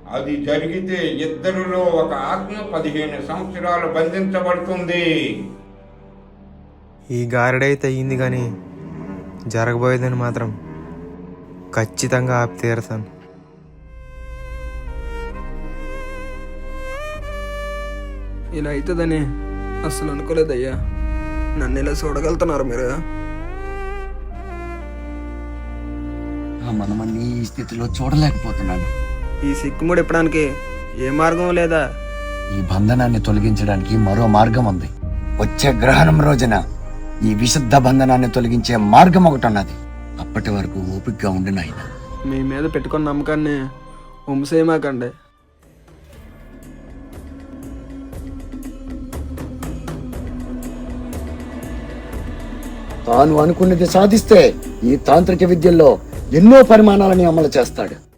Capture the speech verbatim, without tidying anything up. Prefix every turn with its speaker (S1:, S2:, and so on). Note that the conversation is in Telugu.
S1: అది జరిగితే ఇద్దరిలో ఒక ఆత్మ పదిహేను సంవత్సరాలు బంధించబడుతుంది.
S2: ఈ గారడైతే అయ్యింది కానీ జరగబోయేదని మాత్రం ఖచ్చితంగా ఆపి తీరతాను.
S3: ఇలా అవుతుందని అస్సలు అనుకోలేదయ్యా. నన్ను ఇలా చూడగలుగుతున్నారు మీరు.
S4: మనమన్ని ఈ స్థితిలో చూడలేకపోతున్నాను.
S3: ఈ సిక్కుముడి ఇప్పడానికి ఏ మార్గం లేదా?
S4: ఈ బంధనాన్ని తొలగించడానికి మరో మార్గం ఉంది. వచ్చే గ్రహణం రోజున ఈ విశుద్ధ బంధనాన్ని తొలగించే మార్గం ఒకటి ఉన్నది. అప్పటి వరకు ఓపికగా ఉండి నాయన.
S3: మీ మీద పెట్టుకున్న నమ్మకాన్ని వంశేయమాకండి.
S4: తాను అనుకున్నది సాధిస్తే ఈ తాంత్రిక విద్యల్లో ఎన్నో పరిమాణాలని అమలు చేస్తాడు.